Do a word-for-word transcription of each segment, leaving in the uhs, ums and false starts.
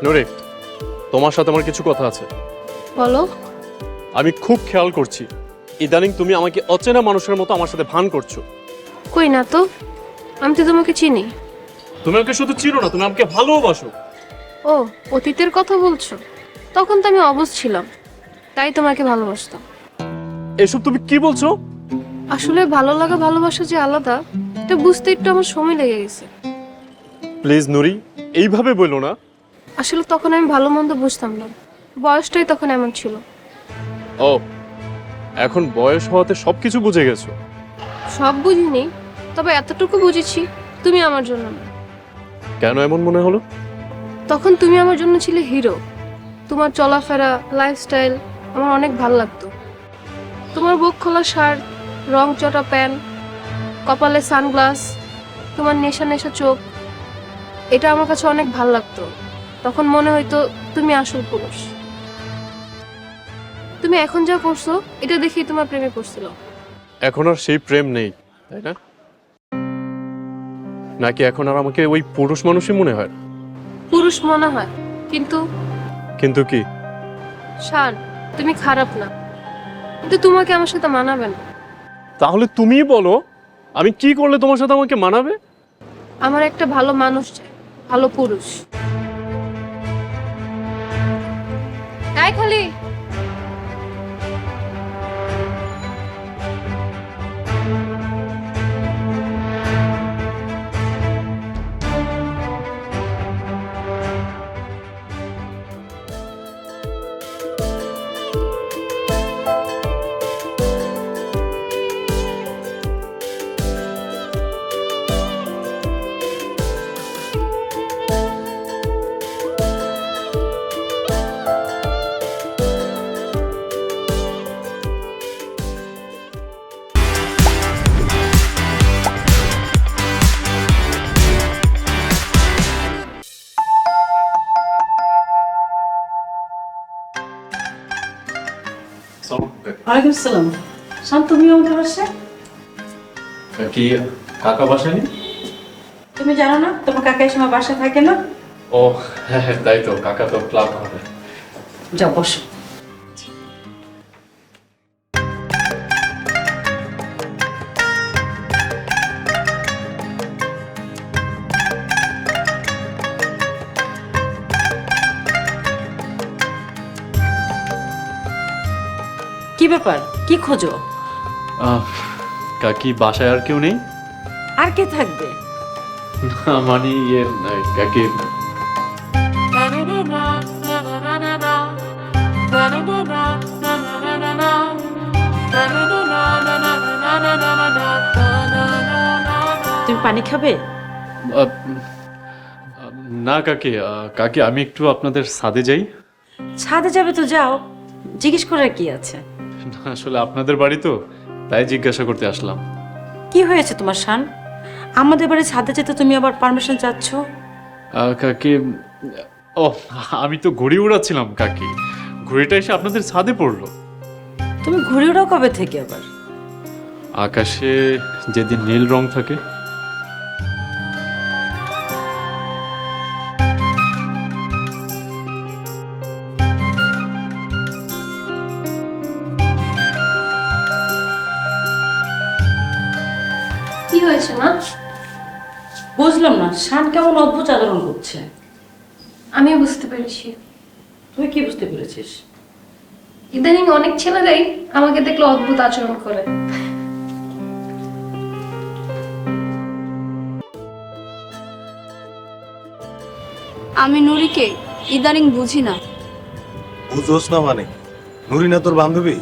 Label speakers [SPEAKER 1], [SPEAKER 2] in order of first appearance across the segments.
[SPEAKER 1] নুরি, তোমার সাথে আমার কিছু কথা আছে।
[SPEAKER 2] বলো।
[SPEAKER 1] আমি খুব খেয়াল করছি ইদানিং তুমি আমাকে অচেনা মানুষের মতো আমার সাথে ভান করছো।
[SPEAKER 2] কই না তো, আমি তো তোমাকে চিনি।
[SPEAKER 1] তুমি আমাকে শুধু চিনো না, তুমি আমাকে ভালোবাসো।
[SPEAKER 2] ও, অতীতের কথা বলছো? তখন তো আমি অবুঝ ছিলাম, তাই তোমাকে ভালোবাসতাম।
[SPEAKER 1] এসব তুমি কি বলছো?
[SPEAKER 2] আসলে ভালো লাগা ভালোবাসা যে আলাদা, এটা বুঝতে একটু আমার সময় লেগে গেছে।
[SPEAKER 1] প্লিজ নুরি, এইভাবে বললো না।
[SPEAKER 2] আসলে তখন আমি ভালো মন্দ বুঝতাম না, বয়সটাই তখন এমন ছিল।
[SPEAKER 1] ও, এখন বয়স হওয়াতে সবকিছু বুঝে গেছো।
[SPEAKER 2] সব বুঝিনি, তবে এতটুকু বুঝেছি তুমি আমার জন্য না।
[SPEAKER 1] কেন এমন মনে হলো?
[SPEAKER 2] তখন তুমি আমার জন্য ছিলে হিরো। তোমার চলাফেরা, লাইফস্টাইল আমার অনেক ভালো লাগতো। তোমার বুক খোলা শার্ট, রং চটা প্যান্ট, কপালে সানগ্লাস, তোমার নেশা নেশা চোখ, এটা আমার কাছে অনেক ভালো লাগতো। তখন মনে হইতো তুমি আসল পুরুষ। তুমি এখন যা করছো এটা দেখেই তোমার প্রেমে পড়ছিল।
[SPEAKER 1] এখন আর সেই প্রেম নেই, তাই না? নাকি এখন আর আমাকে ওই পুরুষ মানুষই মনে হয়?
[SPEAKER 2] পুরুষ মনে হয়, কিন্তু
[SPEAKER 1] কিন্তু কি?
[SPEAKER 2] শান, তুমি খারাপ না, কিন্তু তোমাকে আমার সাথে মানাবে না।
[SPEAKER 1] তাহলে তুমিই বলো, আমি কি করলে তোমার সাথে আমাকে মানাবে?
[SPEAKER 2] আমার একটা ভালো মানুষ চাই, ভালো পুরুষ। তাই খালি
[SPEAKER 3] ওয়ালাইকুম আসসালাম। শান্ত, তুমি আমাদের বাসায়?
[SPEAKER 1] কি কাকা বাসায় নেই?
[SPEAKER 3] তুমি জানো না তোমার কাকা এই সময় বাসায় থাকে না?
[SPEAKER 1] ও হ্যাঁ হ্যাঁ, তাই তো, কাকা তো ক্লাব করে।
[SPEAKER 3] যাও বসো। কি ব্যাপার, কি খোঁজো?
[SPEAKER 1] আহ, কাকি বাসায় আর কেউ নেই?
[SPEAKER 3] আর কে থাকবে?
[SPEAKER 1] না মানে ইয়ে, কাকি
[SPEAKER 3] তুমি পানি খাবে?
[SPEAKER 1] আহ, না কাকি, আহ, কাকি আমি একটু আপনাদের ছাদে যাই।
[SPEAKER 3] ছাদে যাবে তো যাও, জিজ্ঞেস করার কি আছে?
[SPEAKER 1] না, আসলে আপনাদের বাড়ি তো, তাই জিজ্ঞাসা করতে আসলাম।
[SPEAKER 3] কি হয়েছে তোমার শান? আমাদের বাড়ি ছাদে যেতে তুমি আবার পারমিশন চাচ্ছ?
[SPEAKER 1] আহ, কাকি, ও আমি তো ঘুড়ি উড়াচ্ছিলাম কাকি, ঘুড়িটা এসে আপনাদের ছাদে পড়লো।
[SPEAKER 3] তুমি ঘুরে ওড়াও কবে থেকে আবার?
[SPEAKER 1] আকাশে যেদিন নীল রং থাকে।
[SPEAKER 2] কি হয়েছে মা?
[SPEAKER 3] বুঝলাম না, শান কেমন অদ্ভুত আচরণ করছে।
[SPEAKER 2] আমি বুঝতে পেরেছি।
[SPEAKER 3] তুই কি বুঝতে পেরেছিস?
[SPEAKER 2] ইদানিং অনেক ছেলেরাই আমাকে দেখলে অদ্ভুত আচরণ করে।
[SPEAKER 4] আমি নুরিকে ইদানিং বুঝি না।
[SPEAKER 5] বুঝোস না মানে? নুরি না তোর বান্ধবী?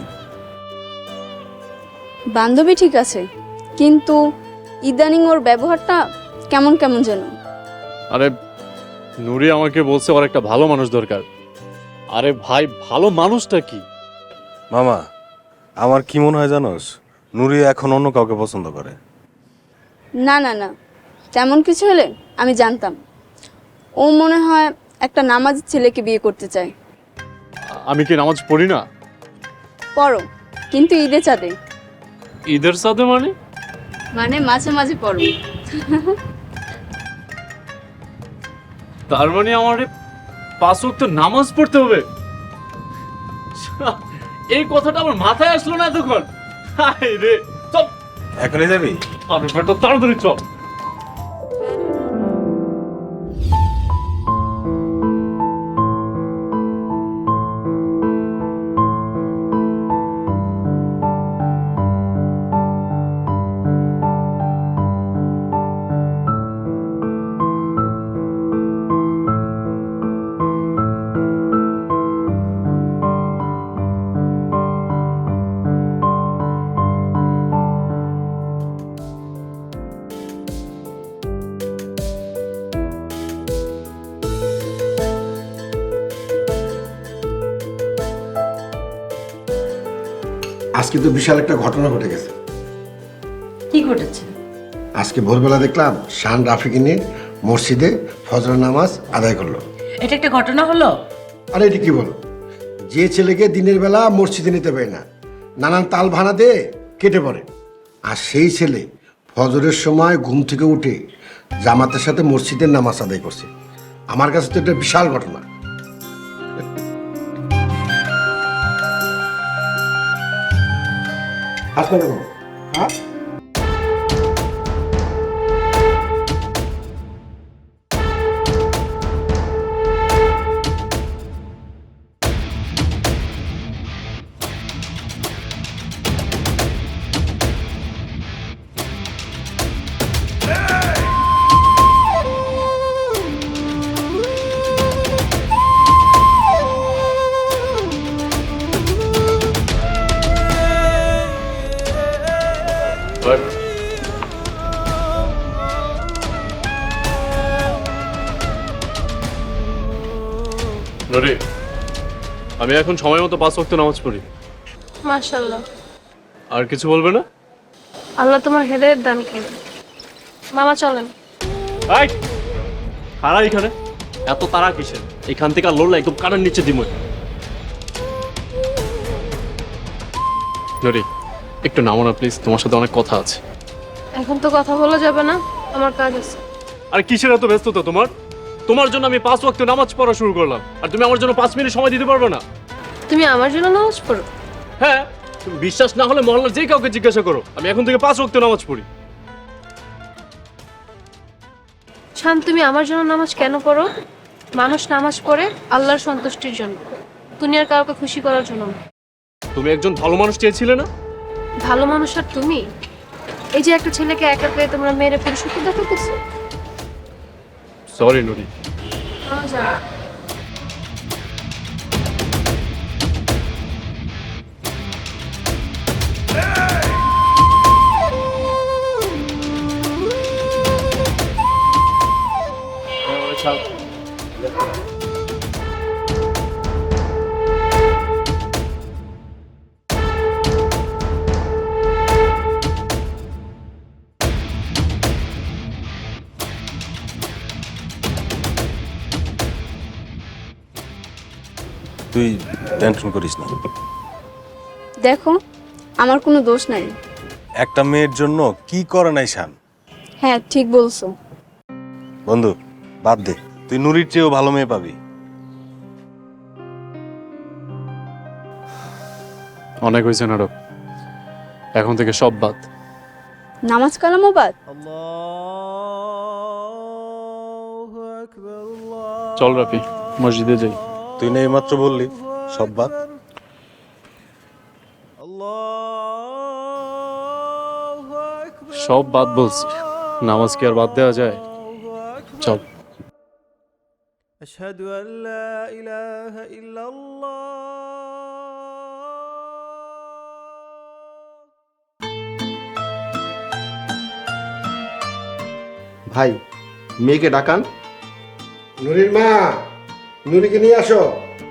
[SPEAKER 4] বান্ধবী ঠিক আছে, কিন্তু ইদানিং ওর ব্যবহারটা কেমন কেমন যেন।
[SPEAKER 1] আরে নুরি আমাকে বলছে ওর একটা ভালো মানুষ দরকার। আরে ভাই, ভালো মানুষটা কি?
[SPEAKER 5] মামা, আমার কি মনে হয় জানোস, নুরি এখন অন্য কাউকে পছন্দ করে।
[SPEAKER 4] না না না, তেমন কিছু হলে আমি জানতাম। ও মনে হয় একটা নামাজি ছেলেকে বিয়ে করতে চায়।
[SPEAKER 1] আমি কি নামাজ পড়ি না?
[SPEAKER 4] পড়ো, কিন্তু ঈদে চাঁদে।
[SPEAKER 1] ঈদের সাথে মানে?
[SPEAKER 4] মানে মাঝে মাঝে পড়ো।
[SPEAKER 1] তার মানে আমার পাঁচ ওয়াক্ত নামাজ পড়তে হবে? এই কথাটা আমার মাথায় আসলো না এতক্ষণ। হায় রে, চল
[SPEAKER 5] এখনই যাবি?
[SPEAKER 1] আরে বেটা তাড়াতাড়ি চল।
[SPEAKER 6] আজকে তো বিশাল একটা ঘটনা ঘটে গেছে।
[SPEAKER 3] কি ঘটেছে?
[SPEAKER 6] আজকে ভোরবেলা দেখলাম শান রাফিকে নিয়ে মসজিদে ফজর নামাজ আদায় করলো।
[SPEAKER 3] এটা একটা ঘটনা হলো?
[SPEAKER 6] আরে এটি কি বলো, যে ছেলেকে দিনের বেলা মসজিদে নিতে পারে না, নানান তাল ভানা দিয়ে কেটে পড়ে, আর সেই ছেলে ফজরের সময় ঘুম থেকে উঠে জামাতের সাথে মসজিদের নামাজ আদায় করছে। আমার কাছে তো এটা বিশাল ঘটনা। আসলে হ্যাঁ
[SPEAKER 1] নুরি, আমি এখন সময় মতো পাঁচ ওয়াক্ত নামাজ পড়ি।
[SPEAKER 2] মাশাআল্লাহ,
[SPEAKER 1] আর কিছু বলবে না?
[SPEAKER 2] আল্লাহ তোমার হেদায়েত দান করেন। মামা চলেন।
[SPEAKER 1] এই খাড়া এখানে, এত তারা কিসের? এখান থেকে আর লড়লে একদম কানের নিচে দিমই। নুরি, একটু নামো না প্লিজ, তোমার সাথে অনেক কথা আছে।
[SPEAKER 2] এখন তো কথা বলা যাবে না, আমার কাজ আছে।
[SPEAKER 1] আর কিসের এত ব্যস্ততা তোমার? তোমার জন্য আমি পাঁচ ওয়াক্ত নামাজ পড়া শুরু করলাম, আর তুমি আমার জন্য পাঁচ মিনিট সময় দিতে পারবে না?
[SPEAKER 2] তুমি আমার জন্য নামাজ পড়ো?
[SPEAKER 1] হ্যাঁ, তুমি বিশ্বাস না হলে মহল্লার যে কাউকে জিজ্ঞাসা করো, আমি এখন থেকে পাঁচ ওয়াক্ত নামাজ পড়ি।
[SPEAKER 2] শান, তুমি আমার জন্য নামাজ কেন পড়ো? মানুষ নামাজ পড়ে আল্লাহর সন্তুষ্টির জন্য, দুনিয়ার কাউকে খুশি করার জন্য না।
[SPEAKER 1] তুমি একজন ভালো মানুষ চেয়েছিলে না?
[SPEAKER 2] ভালো মানুষ আর তুমি? এই যে একটা ছেলেকে একা পেয়ে তোমরা মেরে পুরুষত্ব দেখাতেছো।
[SPEAKER 1] সরি নুরি।
[SPEAKER 5] তুই টেনশন করিস না।
[SPEAKER 4] দেখো, আমার কোনো দোষ নাই।
[SPEAKER 5] একটা মেয়ের জন্য কি করে নাই শান?
[SPEAKER 4] হ্যাঁ, ঠিক বলছো।
[SPEAKER 5] বন্ধু বাদ দে, তুই নুরির চেয়েও ভালো মেয়ে পাবি।
[SPEAKER 1] অনেক হয়েছে নাটক, এখন থেকে সব বাদ।
[SPEAKER 4] নামাজ কালামও বাদ?
[SPEAKER 1] চল রাফি, মসজিদে যাই।
[SPEAKER 5] তুই না এইমাত্র বললি সব বাদ।
[SPEAKER 1] সব বাদ বলছি, নামাজ কি আর বাদ দেওয়া যায়? চল।
[SPEAKER 7] أشهد أن لا إله إلا الله
[SPEAKER 8] ভাই, মেয়েকে ডাকান।
[SPEAKER 6] নুরির মা, নুরিকে নিয়ে আসো।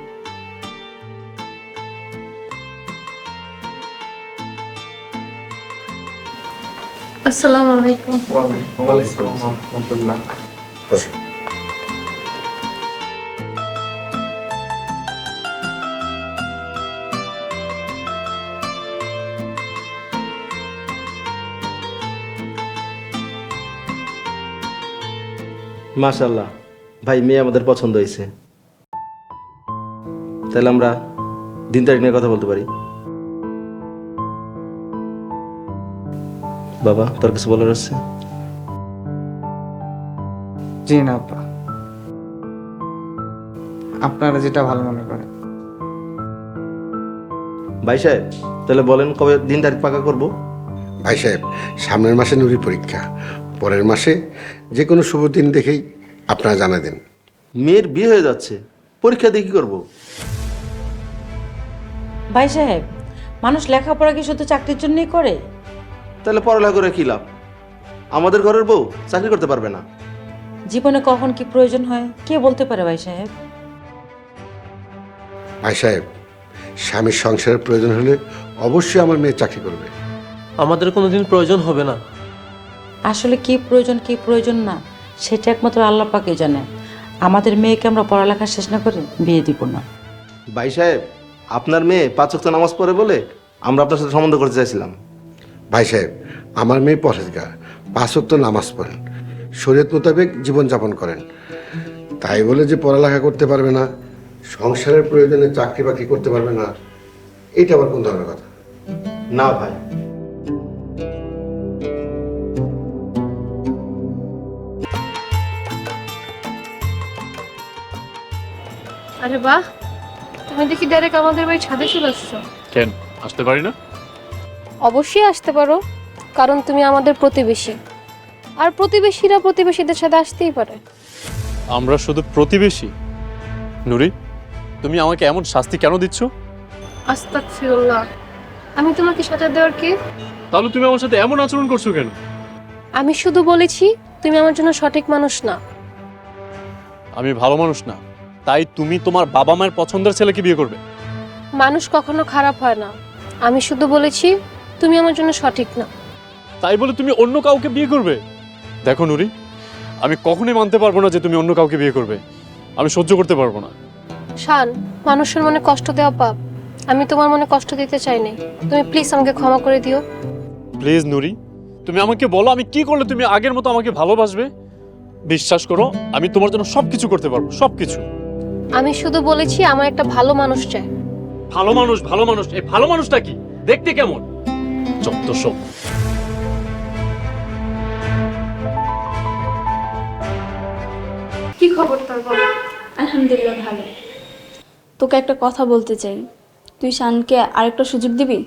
[SPEAKER 2] আসসালামু আলাইকুম।
[SPEAKER 6] বসো।
[SPEAKER 8] মাশাআল্লাহ ভাই, মেয়ে আমাদের পছন্দ হয়েছে। তাহলে আমরা দিন তারিখ নিয়ে কথা বলতে পারি। বাবা, তোর কিছু বলার আছে?
[SPEAKER 9] জি না আব্বা, আপনারা যেটা ভালো মনে করেন।
[SPEAKER 8] ভাই সাহেব, তাহলে বলেন কবে দিন তারিখ পাকা করব?
[SPEAKER 6] ভাই সাহেব, সামনের মাসে নুরির পরীক্ষা, পরের মাসে যে কোনো শুভ দিন দেখেই আপনারা জানা দেন।
[SPEAKER 8] মেয়ের বিয়ে হয়ে যাচ্ছে, পরীক্ষা দিয়ে কি করবো?
[SPEAKER 3] ভাই সাহেব, মানুষ লেখাপড়া কি শুধু চাকরির জন্যই করে?
[SPEAKER 8] তাহলে পড়ালেখা করে কি লাভ? আমাদের ঘরের বউ চাকরি করতে পারবে না।
[SPEAKER 3] জীবনে কখন কি প্রয়োজন হয় কে বলতে পারে ভাই সাহেব?
[SPEAKER 6] ভাই সাহেব, স্বামীর সংসারের প্রয়োজন হলে অবশ্যই আমার মেয়ে চাকরি করবে।
[SPEAKER 7] আমাদের কোনোদিন প্রয়োজন হবে না।
[SPEAKER 3] আসলে কি প্রয়োজন কি প্রয়োজন না সেটা একমাত্র আল্লাহ পাকে জানে। আমাদের মেয়েকে আমরা পড়ালেখা শেষ না করে বিয়ে দিব না।
[SPEAKER 8] ভাই সাহেব, আপনার মেয়ে পাঁচ ওয়াক্ত নামাজ পড়ে বলে আমরা আপনার সাথে সম্বন্ধ করতে চাইছিলাম।
[SPEAKER 6] ভাই সাহেব, আমার মেয়ে পরেজগার, পাঁচ ওয়াক্ত নামাজ পড়েন, শরীয়ত মোতাবেক জীবনযাপন করেন। তাই বলে যে পড়ালেখা করতে পারবে না, সংসারের প্রয়োজনে চাকরি বাকরি করতে পারবে না, এটা আবার কোন ধরনের কথা?
[SPEAKER 8] না ভাই,
[SPEAKER 2] আরে বাহ, তুমি দেখি ডাইরেক্ট আমাদের বাড়ি ছাদে চলে আসছো।
[SPEAKER 1] কেন আসতে পারি না?
[SPEAKER 2] অবশ্যই আসতে পারো, কারণ তুমি আমাদের প্রতিবেশী, আর প্রতিবেশীরা প্রতিবেশীদের সাথে আসতেই পারে।
[SPEAKER 1] আমরা শুধু প্রতিবেশী? নুরি, তুমি আমাকে এমন শাস্তি কেন দিচ্ছ?
[SPEAKER 2] আস্তাগফিরুল্লাহ, আমি তোমাকে সাজা দেওয়ার কে?
[SPEAKER 1] তাহলে তুমি আমার সাথে এমন আচরণ করছো কেন?
[SPEAKER 2] আমি শুধু বলেছি তুমি আমার জন্য সঠিক মানুষ না।
[SPEAKER 1] আমি ভালো মানুষ না, তাই তুমি তোমার বাবা মায়ের পছন্দের ছেলেকে বিয়ে করবে?
[SPEAKER 2] মানুষ কখনো খারাপ হয় না, আমি শুধু বলেছি তুমি আমার জন্য সঠিক না।
[SPEAKER 1] তাই বলে তুমি অন্য কাউকে বিয়ে করবে? দেখো নুরি, আমি কখনোই মানতে পারবো না যে তুমি অন্য কাউকে বিয়ে করবে। আমি সহ্য করতে পারবো না।
[SPEAKER 2] শান, মানুষের মনে কষ্ট দেওয়া পাপ, আমি তোমার মনে কষ্ট দিতে চাই নাই। তুমি প্লিজ আমাকে ক্ষমা করে দিও।
[SPEAKER 1] প্লিজ নুরি, তুমি আমাকে বলো আমি কি করলে তুমি আগের মতো আমাকে ভালোবাসবে? বিশ্বাস করো, আমি তোমার জন্য সবকিছু করতে পারবো, সবকিছু।
[SPEAKER 2] আমি শুধু বলেছি আমার একটা ভালো মানুষ চাই।
[SPEAKER 1] ভালো মানুষ, ভালো মানুষ, এই ভালো মানুষটা কি দেখতে কেমন? যত সব।
[SPEAKER 2] কি খবর তোর বল?
[SPEAKER 4] আলহামদুলিল্লাহ ভালো। তোকে একটা কথা বলতে চাই, তুই শানকে আরেকটা সুযোগ দিবি?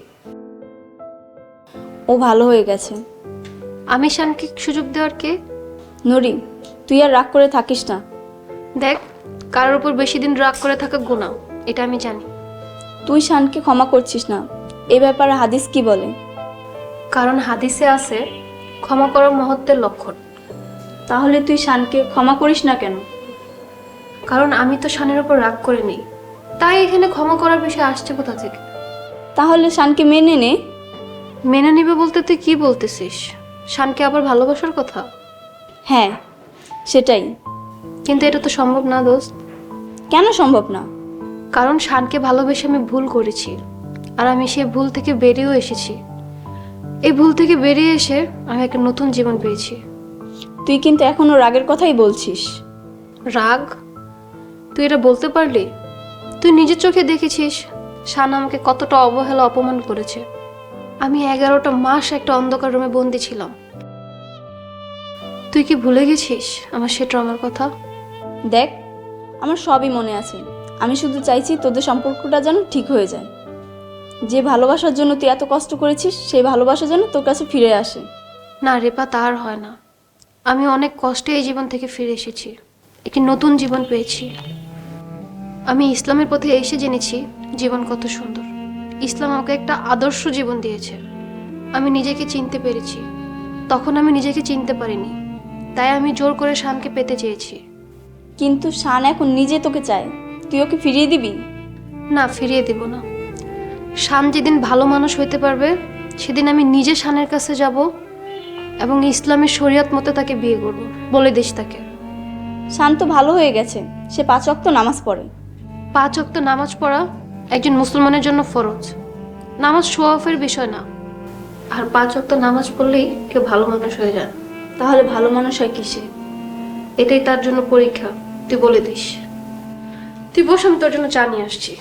[SPEAKER 4] ও ভালো হয়ে গেছে।
[SPEAKER 2] আমি শানকে সুযোগ দেওয়ার কে?
[SPEAKER 4] নুরি, তুই আর রাগ করে থাকিস না।
[SPEAKER 2] দেখ, কারোর উপর বেশি দিন রাগ করে থাকা গুনাহ, এটা আমি জানি।
[SPEAKER 4] তুই শানকে ক্ষমা করছিস না, এ ব্যাপারে হাদিস কি বলে?
[SPEAKER 2] কারণ হাদিসে আছে ক্ষমা করার মহত্বের লক্ষণ।
[SPEAKER 4] তাহলে তুই শানকে ক্ষমা করিস না কেন?
[SPEAKER 2] কারণ আমি তো শানের উপর রাগ করে নেই, তাই এখানে ক্ষমা করার বিষয় আসছে কোথা থেকে?
[SPEAKER 4] তাহলে শানকে মেনে নে।
[SPEAKER 2] মেনে নিবে বলতে তুই কি বলতেছিস? শানকে আবার ভালোবাসার কথা?
[SPEAKER 4] হ্যাঁ, সেটাই।
[SPEAKER 2] কিন্তু এটা তো সম্ভব না দোস্ত।
[SPEAKER 4] কেন সম্ভব না?
[SPEAKER 2] কারণ শানকে ভালোবেসে আমি ভুল করেছি, আর আমি সেই ভুল থেকে বেরিয়েও এসেছি। এই ভুল থেকে বেরিয়ে এসে আমি একটা নতুন জীবন পেয়েছি।
[SPEAKER 4] তুই কিন্তু এখনো রাগের কথাই বলছিস।
[SPEAKER 2] রাগ? তুই এটা বলতে পারলি? তুই নিজের চোখে দেখেছিস শান আমাকে কতটা অবহেলা অপমান করেছে। আমি এগারোটা মাস একটা অন্ধকার রুমে বন্দি ছিলাম। তুই কি ভুলে গেছিস আমার সে ট্রমার কথা?
[SPEAKER 4] দেখ, আমার সবই মনে আছে। আমি শুধু চাইছি তোদের সম্পর্কটা যেন ঠিক হয়ে যায়। যে ভালোবাসার জন্য তুই এত কষ্ট করেছিস, সেই ভালোবাসা যেন তোর কাছে ফিরে আসে।
[SPEAKER 2] না রেপা, তার হয় না। আমি অনেক কষ্টে এই জীবন থেকে ফিরে এসেছি, একটি নতুন জীবন পেয়েছি। আমি ইসলামের পথে এসে জেনেছি জীবন কত সুন্দর। ইসলাম আমাকে একটা আদর্শ জীবন দিয়েছে। আমি নিজেকে চিনতে পেরেছি, তখন আমি নিজেকে চিনতে পারিনি, তাই আমি জোর করে শানকে পেতে চেয়েছি।
[SPEAKER 4] কিন্তু শান এখন নিজে তোকে চায়, তুই ওকে ফিরিয়ে দিবি?
[SPEAKER 2] না, ফিরিয়ে দেব না। শান যেদিন ভালো মানুষ হইতে পারবে সেদিন আমি নিজে শানের কাছে যাব এবং ইসলামের শরীয়ত মতে তাকে বিয়ে করব, বলে দিস তাকে।
[SPEAKER 4] শান তো ভালো হয়ে গেছে, সে পাঁচ ওয়াক্ত নামাজ পড়ে।
[SPEAKER 2] পাঁচ ওয়াক্ত নামাজ পড়া একজন মুসলমানের জন্য ফরজ, নামাজ শো অফের বিষয় না। আর পাঁচ ওয়াক্ত নামাজ পড়লেই কেউ ভালো মানুষ হয়ে যায়।
[SPEAKER 4] তাহলে ভালো মানুষ হয় কিসে?
[SPEAKER 2] এটাই তার জন্য পরীক্ষা, তুই বলে দিস। তুই বস, আমি তোর জন্য চা নিয়ে আসছি।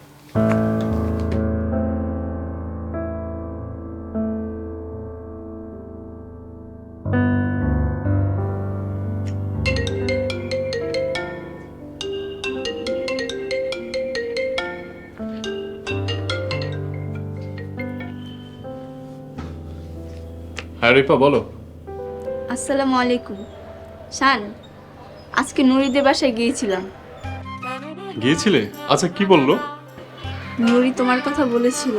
[SPEAKER 1] হ্যাঁ রিপা বলো।
[SPEAKER 4] আসসালামু আলাইকুম। শান, আজকে নুরিদের বাসায় গিয়েছিলাম।
[SPEAKER 1] গিয়েছিলে? আচ্ছা কি বললো?
[SPEAKER 4] নুরি তোমার কথা বলেছিল।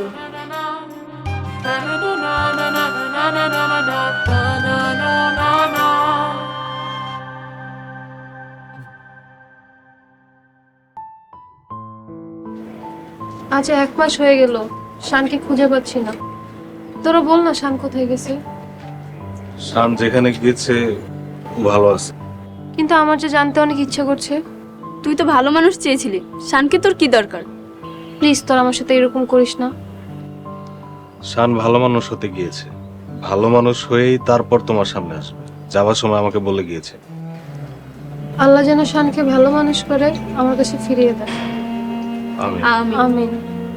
[SPEAKER 2] আজ এক মাস হয়ে গেল, শানকে খুঁজে পাচ্ছি না। তোরা বল না শান কোথায় গেছে।
[SPEAKER 5] শান যেখানে গিয়েছে ভালো আছে।
[SPEAKER 2] কিন্তু আমার যে জানতে অনেক ইচ্ছা করছে।
[SPEAKER 4] তুই তো ভালো মানুষ চেয়েছিলি, শানকে তোর কি দরকার?
[SPEAKER 2] প্লিজ তোর আমার সাথে এরকম করিস না।
[SPEAKER 5] শান ভালো মানুষ হতে গিয়েছে, ভালো মানুষ হয়েই তারপর তোমার সামনে আসবে। যাওয়ার সময় আমাকে বলে গিয়েছে।
[SPEAKER 2] আল্লাহ যেন শানকে ভালো মানুষ করে আমার কাছে ফিরিয়ে দেয়।
[SPEAKER 5] আমি
[SPEAKER 4] আমি
[SPEAKER 2] আমিন।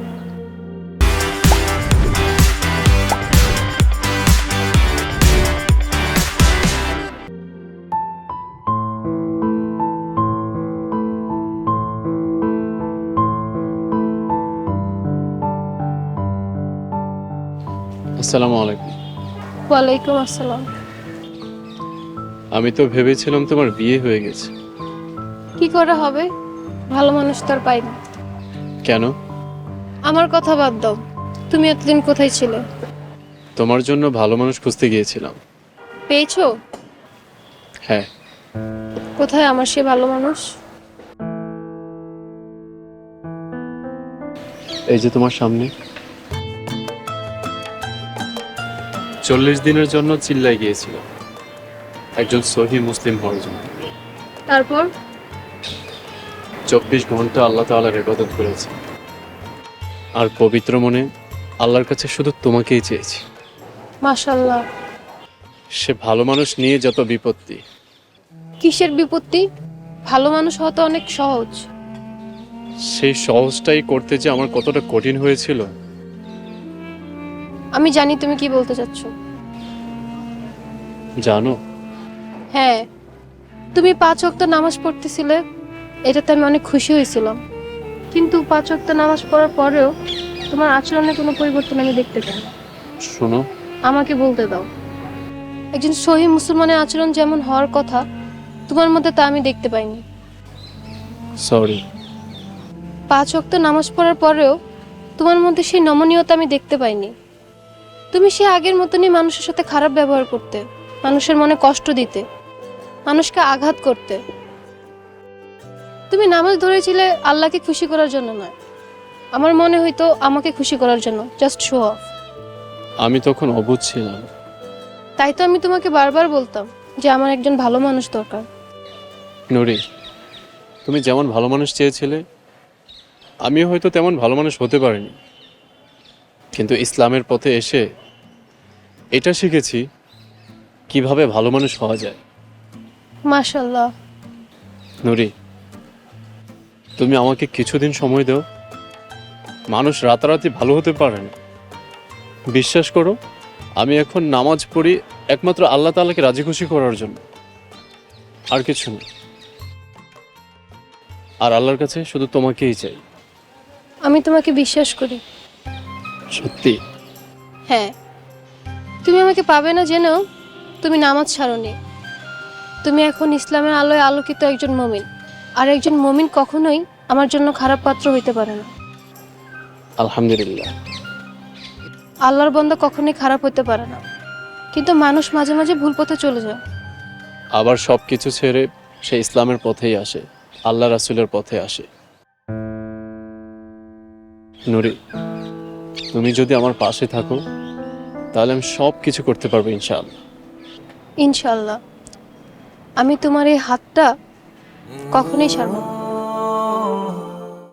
[SPEAKER 1] আসসালামু আলাইকুম।
[SPEAKER 2] ওয়ালাইকুম আসসালাম।
[SPEAKER 1] আমি তো ভেবেছিলাম তোমার বিয়ে হয়ে গেছে।
[SPEAKER 2] কি করে হবে, ভালো মানুষ তো আর পাই না।
[SPEAKER 1] কেন?
[SPEAKER 2] আমার কথা বাদ দাও, তুমি এতদিন কোথায় ছিলে?
[SPEAKER 1] তোমার জন্য ভালো মানুষ খুঁজতে গিয়েছিলাম।
[SPEAKER 2] পেয়েছো?
[SPEAKER 1] হ্যাঁ।
[SPEAKER 2] কোথায় আমার সে ভালো মানুষ?
[SPEAKER 1] এই যে তোমার সামনে। চল্লিশ দিনের জন্য চিল্লাই গিয়েছিল একজন সহি মুসলিম হওয়ার জন্য।
[SPEAKER 2] তারপর?
[SPEAKER 1] চব্বিশ ঘন্টা আল্লাহ তাআলার ইবাদত করেছি, আর পবিত্র মনে আল্লাহর কাছে শুধু তোমাকেই চেয়েছি।
[SPEAKER 2] মাশাআল্লাহ।
[SPEAKER 1] সে ভালো মানুষ নিয়ে যত বিপত্তি।
[SPEAKER 2] কিসের বিপত্তি? ভালো মানুষ হওয়া তো অনেক সহজ।
[SPEAKER 1] সেই সহজটাই করতে যে আমার কতটা কঠিন হয়েছিল।
[SPEAKER 2] আমি জানি তুমি কি বলতে চাচ্ছ।
[SPEAKER 1] জানো?
[SPEAKER 2] হ্যাঁ, তুমি পাঁচ ওয়াক্ত নামাজ পড়তেছিলে, এটাতে আমি অনেক খুশি হয়েছিলাম। কিন্তু পাঁচ ওয়াক্ত নামাজ পড়ার পরেও তোমার আচরণে কোনো পরিবর্তন আমি দেখতে পাই না।
[SPEAKER 1] শোনো,
[SPEAKER 2] আমাকে বলতে দাও। একজন সহি মুসলমানের আচরণ যেমন হওয়ার কথা, তোমার মধ্যে তা আমি দেখতে পাইনি।
[SPEAKER 1] সরি।
[SPEAKER 2] পাঁচ ওয়াক্ত নামাজ পড়ার পরেও তোমার মধ্যে সেই নমনীয়তা আমি দেখতে পাইনি। তুমি সে আগের মতনই মানুষের সাথে খারাপ ব্যবহার করতে, মানুষের মনে কষ্ট দিতে, মানুষকে আঘাত করতে। তুমি নামাজ ধরেছিলে আল্লাহকে খুশি করার জন্য নয়, আমার মনে হইতো আমাকে খুশি করার জন্য, জাস্ট শো অফ।
[SPEAKER 1] আমি তখন অবুঝ ছিলাম।
[SPEAKER 2] তাই তো আমি তোমাকে বারবার বলতাম যে আমার একজন ভালো মানুষ দরকার।
[SPEAKER 1] নুরি, তুমি যেমন ভালো মানুষ চেয়েছিলে, আমিও হয়তো তেমন ভালো মানুষ হতে পারিনি, কিন্তু ইসলামের পথে এসে এটা শিখেছি কিভাবে ভালো মানুষ হওয়া যায়।
[SPEAKER 2] মাশাআল্লাহ।
[SPEAKER 1] নুরি, তুমি আমাকে কিছুদিন সময় দাও। মানুষ রাতারাতি ভালো হতে পারে না। বিশ্বাস করো, আমি এখন নামাজ পড়ি একমাত্র আল্লাহ তাআলাকে রাজি খুশি করার জন্য, আর কিছু না। আর আল্লাহর কাছে শুধু তোমাকেই চাই।
[SPEAKER 2] আমি তোমাকে বিশ্বাস করি।
[SPEAKER 1] সত্যি?
[SPEAKER 2] হ্যাঁ, তুমি আমাকে পাবে না জেনেও তুমি নামাজ ছাড়োনি। তুমি এখন ইসলামের আলোয় আলোকিত একজন মুমিন, আর একজন মুমিন কখনোই আমার জন্য খারাপ পাত্র হইতে পারে না।
[SPEAKER 1] আলহামদুলিল্লাহ।
[SPEAKER 2] আল্লাহর বান্দা কখনোই খারাপ হতে পারে না, কিন্তু মানুষ মাঝে মাঝে ভুল পথে চলে যায়।
[SPEAKER 1] আবার সব কিছু ছেড়ে সে ইসলামের পথেই আসে, আল্লাহ রাসূলের পথে আসে। নুরি, তুমি যদি আমার পাশে থাকো তাহলে আমি সব কিছু করতে পারবো ইনশাআল্লাহ।
[SPEAKER 2] ইনশাআল্লাহ। আমি তোমার এই হাতটা কখনোই ছাড়ব না।